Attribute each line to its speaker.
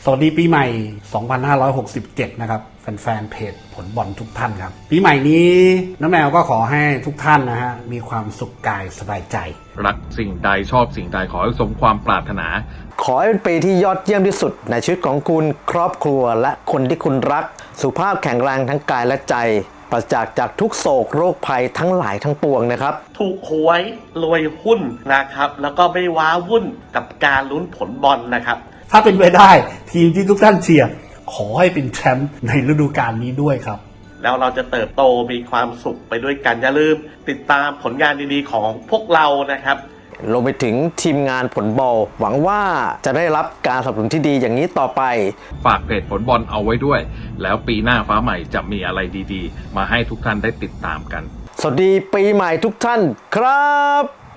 Speaker 1: วัสดีปีใหม่ 2567 นะครับแฟนๆเพจผลบอลทุกท่านครับปีใหม่นี้น้าแมวก็ขอให้ทุกท่านนะฮะมีความสุขกายสบายใจ
Speaker 2: รักสิ่งใดชอบสิ่งใดขอให้สมความปรารถนา
Speaker 3: ขอให้เป็นปีที่ยอดเยี่ยมที่สุดในชีวิตของคุณครอบครัวและคนที่คุณรักสุขภาพแข็งแรงทั้งกายและใจปราศจากทุกโศกโรคภัยทั้งหลายทั้งปวงนะครับ
Speaker 4: ถูกหวยรวยหุ้นนะครับแล้วก็ไม่ว้าวุ่นกับการลุ้นผลบอลนะครับ
Speaker 1: ถ้าเป็นไปได้ทีมที่ทุกท่านเชียร์ขอให้เป็นแชมป์ในฤดูกาลนี้ด้วยครับ
Speaker 4: แล้วเราจะเติบโตมีความสุขไปด้วยกันอย่าลืมติดตามผลงานดีๆของพวกเรานะครับ
Speaker 3: รวมไปถึงทีมงานผลบอลหวังว่าจะได้รับการสนับสนุนที่ดีอย่างนี้ต่อไป
Speaker 2: ฝากเพจผลบอลเอาไว้ด้วยแล้วปีหน้าฟ้าใหม่จะมีอะไรดีๆมาให้ทุกท่านได้ติดตามกัน
Speaker 3: สวัสดีปีใหม่ทุกท่านครับ